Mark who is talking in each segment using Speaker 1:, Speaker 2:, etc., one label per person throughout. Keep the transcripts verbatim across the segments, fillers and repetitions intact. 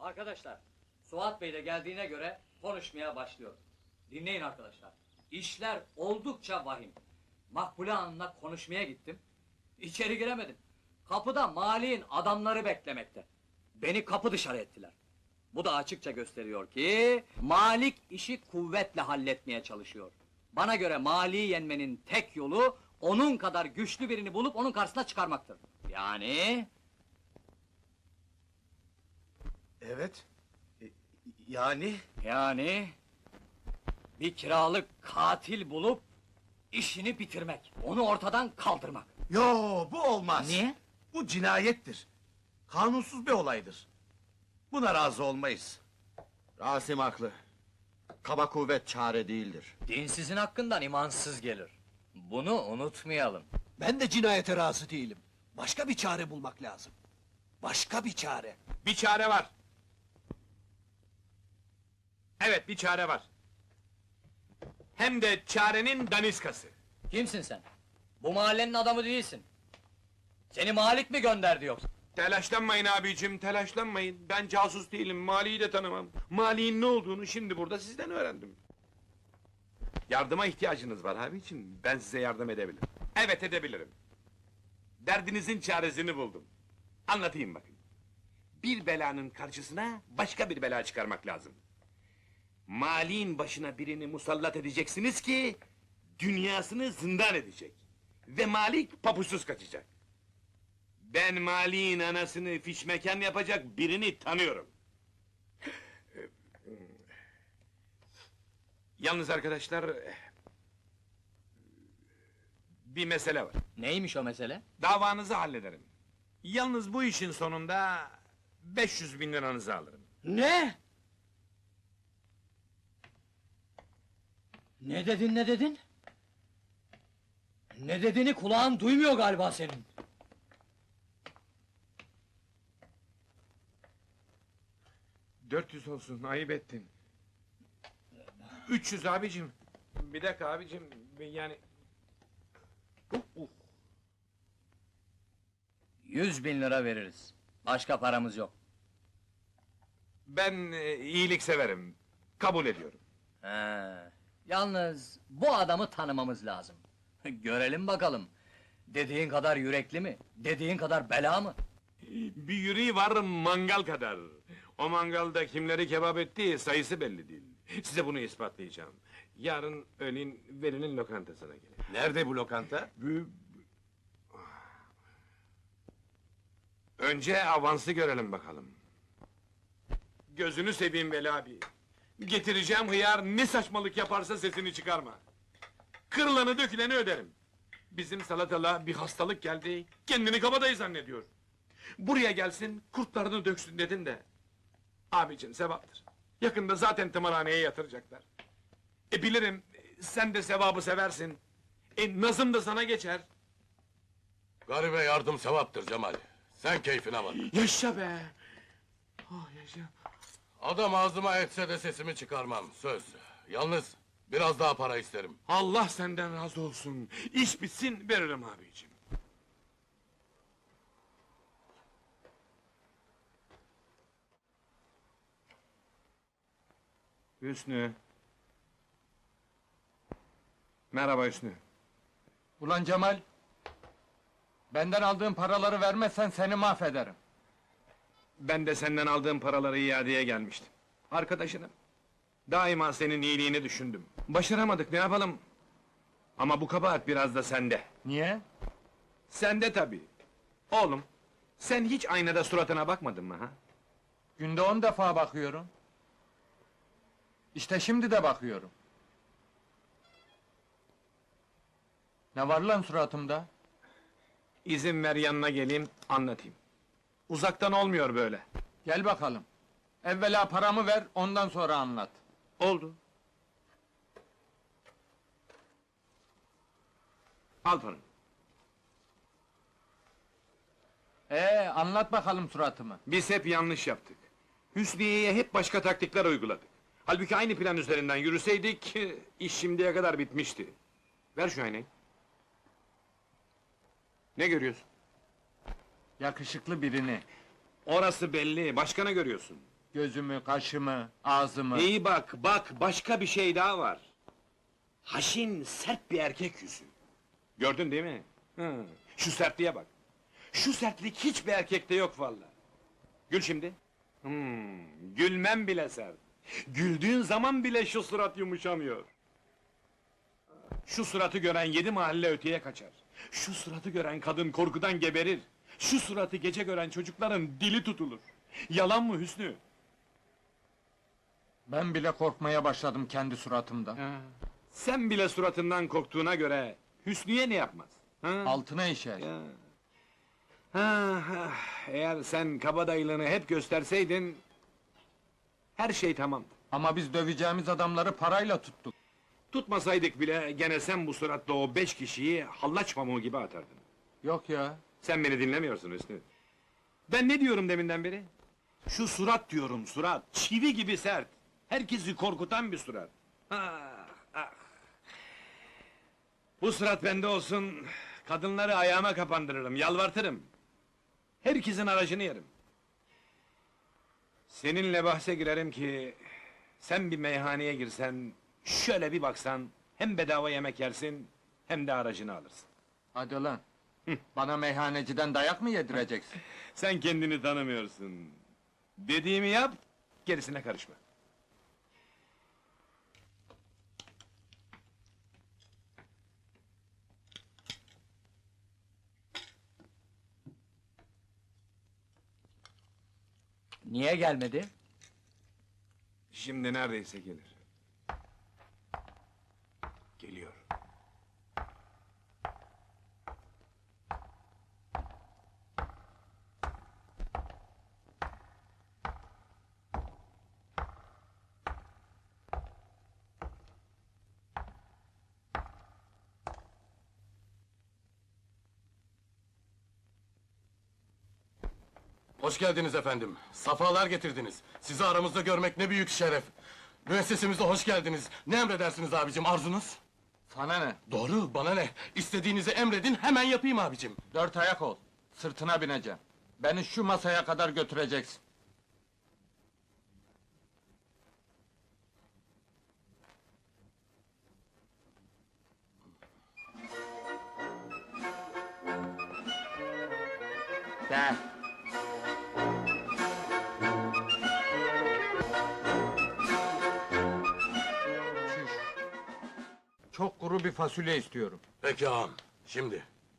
Speaker 1: Arkadaşlar, Suat Bey de geldiğine göre konuşmaya başlıyor. Dinleyin arkadaşlar. İşler oldukça vahim. Makbule Hanım'la konuşmaya gittim. İçeri giremedim. Kapıda Mali'nin adamları beklemekte. Beni kapı dışarı ettiler. Bu da açıkça gösteriyor ki Malik işi kuvvetle halletmeye çalışıyor. Bana göre Mali'yi yenmenin tek yolu onun kadar güçlü birini bulup onun karşısına çıkarmaktır. Yani
Speaker 2: Evet. E, Yani?
Speaker 1: Yani bir kiralık katil bulup işini bitirmek, onu ortadan kaldırmak.
Speaker 2: Yo, bu olmaz.
Speaker 1: Niye?
Speaker 2: Bu cinayettir. Kanunsuz bir olaydır. Buna razı olmayız.
Speaker 3: Rasim haklı. Kaba kuvvet çare değildir.
Speaker 1: Dinsizin hakkından imansız gelir. Bunu unutmayalım.
Speaker 4: Ben de cinayete razı değilim. Başka bir çare bulmak lazım. Başka bir çare.
Speaker 5: Bir çare var. Evet, bir çare var. Hem de çarenin daniskası.
Speaker 1: Kimsin sen? Bu mahallenin adamı değilsin. Seni Malik mi gönderdi yoksa?
Speaker 5: Telaşlanmayın abicim, telaşlanmayın. Ben casus değilim, Mali'yi de tanımam. Mali'nin ne olduğunu şimdi burada sizden öğrendim. Yardıma ihtiyacınız var abicim, ben size yardım edebilirim. Evet, edebilirim. Derdinizin çaresini buldum. Anlatayım bakın. Bir belanın karşısına başka bir bela çıkarmak lazım. Mali'nin başına birini musallat edeceksiniz ki dünyasını zindan edecek. Ve Malik papuçsuz kaçacak. Ben Mali'nin anasını fişmekan yapacak birini tanıyorum. Yalnız arkadaşlar, bir mesele var.
Speaker 1: Neymiş o mesele?
Speaker 5: Davanızı hallederim. Yalnız bu işin sonunda beş yüz bin liranızı alırım.
Speaker 4: Ne?
Speaker 1: Ne dedin, ne dedin? Ne dediğini kulağın duymuyor galiba senin.
Speaker 5: Dört yüz olsun, ayıp ettin. Üç yüz abicim. Bir dakika abicim, yani...
Speaker 1: Yüz bin lira veririz. Başka paramız yok.
Speaker 5: Ben e, iyilik severim, kabul ediyorum.
Speaker 1: He. Yalnız bu adamı tanımamız lazım. Görelim bakalım. Dediğin kadar yürekli mi? Dediğin kadar bela mı?
Speaker 5: Bir yüreği var mangal kadar. O mangalda kimleri kebap ettiği sayısı belli değil. Size bunu ispatlayacağım. Yarın öğlen Veli'nin lokantasına gelin.
Speaker 2: Nerede bu lokanta?
Speaker 5: Önce avansı görelim bakalım. Gözünü seveyim Veli abi. Getireceğim hıyar ne saçmalık yaparsa sesini çıkarma. Kırılanı döküleni öderim. Bizim salatala bir hastalık geldi, kendini kabadayı zannediyor. Buraya gelsin, kurtlarını döksün dedin de... Abicim sevaptır. Yakında zaten tımarhaneye yatıracaklar. E bilirim, sen de sevabı seversin. E nazım da sana geçer.
Speaker 6: Garibe yardım sevaptır Cemal. Sen keyfine bak.
Speaker 5: Yaşa be! Oh yaşa!
Speaker 6: Adam ağzıma etse de sesimi çıkarmam, söz. Yalnız biraz daha para isterim.
Speaker 5: Allah senden razı olsun. İş bitsin, veririm abicim. Hüsnü. Merhaba Hüsnü.
Speaker 7: Ulan Cemal! Benden aldığın paraları vermezsen seni mahvederim.
Speaker 5: Ben de senden aldığım paraları iadeye gelmiştim. Arkadaşınım. Daima senin iyiliğini düşündüm. Başaramadık, ne yapalım? Ama bu kabahat biraz da sende.
Speaker 7: Niye?
Speaker 5: Sende tabii. Oğlum, sen hiç aynada suratına bakmadın mı ha?
Speaker 7: Günde on defa bakıyorum. İşte şimdi de bakıyorum. Ne var lan suratımda?
Speaker 5: İzin ver yanına geleyim, anlatayım. Uzaktan olmuyor böyle.
Speaker 7: Gel bakalım. Evvela paramı ver, ondan sonra anlat.
Speaker 5: Oldu. Al paranı.
Speaker 7: Ee, anlat bakalım suratımı.
Speaker 5: Biz hep yanlış yaptık. Hüsniye'ye hep başka taktikler uyguladık. Halbuki aynı plan üzerinden yürüseydik, iş şimdiye kadar bitmişti. Ver şu aynayı. Ne görüyorsun?
Speaker 7: Yakışıklı birini.
Speaker 5: Orası belli, başka ne görüyorsun?
Speaker 7: Gözümü, kaşımı, ağzımı.
Speaker 5: İyi bak, bak, başka bir şey daha var. Haşin, sert bir erkek yüzü. Gördün değil mi? Hı. Şu sertliğe bak. Şu sertlik hiçbir erkekte yok vallahi. Gül şimdi. Hmm, gülmem bile sert. Güldüğün zaman bile şu surat yumuşamıyor. Şu suratı gören yedi mahalle öteye kaçar. Şu suratı gören kadın korkudan geberir. Şu suratı gece gören çocukların dili tutulur. Yalan mı Hüsnü?
Speaker 7: Ben bile korkmaya başladım kendi suratımdan.
Speaker 5: Sen bile suratından korktuğuna göre Hüsnü'ye ne yapmaz? Ha?
Speaker 7: Altına işer.
Speaker 5: Ya. Ha, ha, eğer sen kabadayılığını hep gösterseydin... ...her şey tamamdı.
Speaker 7: Ama biz döveceğimiz adamları parayla tuttuk.
Speaker 5: Tutmasaydık bile gene sen bu suratla o beş kişiyi hallaç pamuğu gibi atardın.
Speaker 7: Yok ya.
Speaker 5: Sen beni dinlemiyorsun Hüsnü. Ben ne diyorum deminden beri? Şu surat diyorum, surat. Çivi gibi sert. Herkesi korkutan bir surat. Ah, ah. Bu surat bende olsun, kadınları ayağıma kapandırırım, yalvartırım. Herkesin aracını yerim. Seninle bahse girerim ki... ...sen bir meyhaneye girsen, şöyle bir baksan... ...hem bedava yemek yersin, hem de aracını alırsın.
Speaker 7: Hadi lan. Bana meyhaneciden dayak mı yedireceksin?
Speaker 5: Sen kendini tanımıyorsun. Dediğimi yap, gerisine karışma.
Speaker 1: Niye gelmedi?
Speaker 5: Şimdi neredeyse gelir. Geliyor.
Speaker 6: Hoş geldiniz efendim. Safalar getirdiniz. Sizi aramızda görmek ne büyük şeref. Müessesemize hoş geldiniz. Ne emredersiniz abicim, arzunuz?
Speaker 7: Sana ne?
Speaker 6: Doğru, bana ne? İstediğinizi emredin, hemen yapayım abicim.
Speaker 7: Dört ayak ol. Sırtına bineceğim. Beni şu masaya kadar götüreceksin. De. Çüş. Çok kuru bir fasulye istiyorum.
Speaker 6: Peki ağam, şimdi.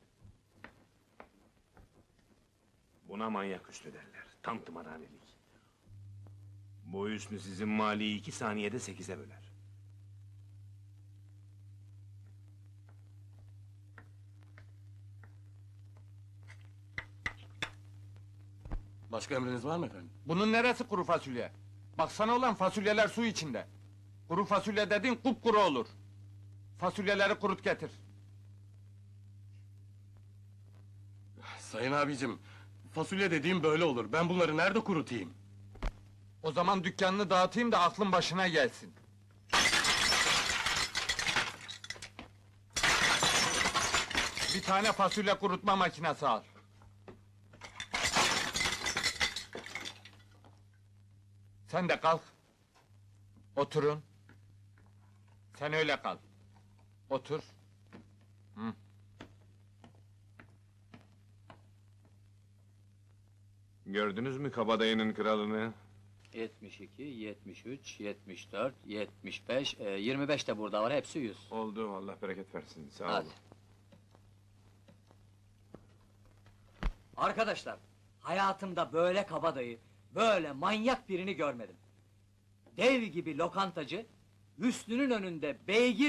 Speaker 5: Buna manyak üstü derler. Tam tımarhanelik. Bu Hüsnü sizin maliyi iki saniyede sekize böler.
Speaker 6: Başka emriniz var mı efendim?
Speaker 7: Bunun neresi kuru fasulye? Baksana ulan fasulyeler su içinde. Kuru fasulye dediğin kupkuru olur. Fasulyeleri kurut getir.
Speaker 6: Sayın abicim, fasulye dediğim böyle olur. Ben bunları nerede kurutayım?
Speaker 7: O zaman dükkanını dağıtayım da aklın başına gelsin. Bir tane fasulye kurutma makinesi al. Sen de kalk. Oturun. Sen öyle kal. Otur. Hı.
Speaker 5: Gördünüz mü kabadayının kralını?
Speaker 1: yetmiş iki, yetmiş üç, yetmiş dört, yetmiş beş, e, yirmi beş de burada var, hepsi yüz.
Speaker 5: Oldu, Allah bereket versin. Sağ
Speaker 1: Hadi.
Speaker 5: olun.
Speaker 1: Arkadaşlar, hayatımda böyle kabadayı, böyle manyak birini görmedim. Dev gibi lokantacı, Hüsnü'nün önünde beygir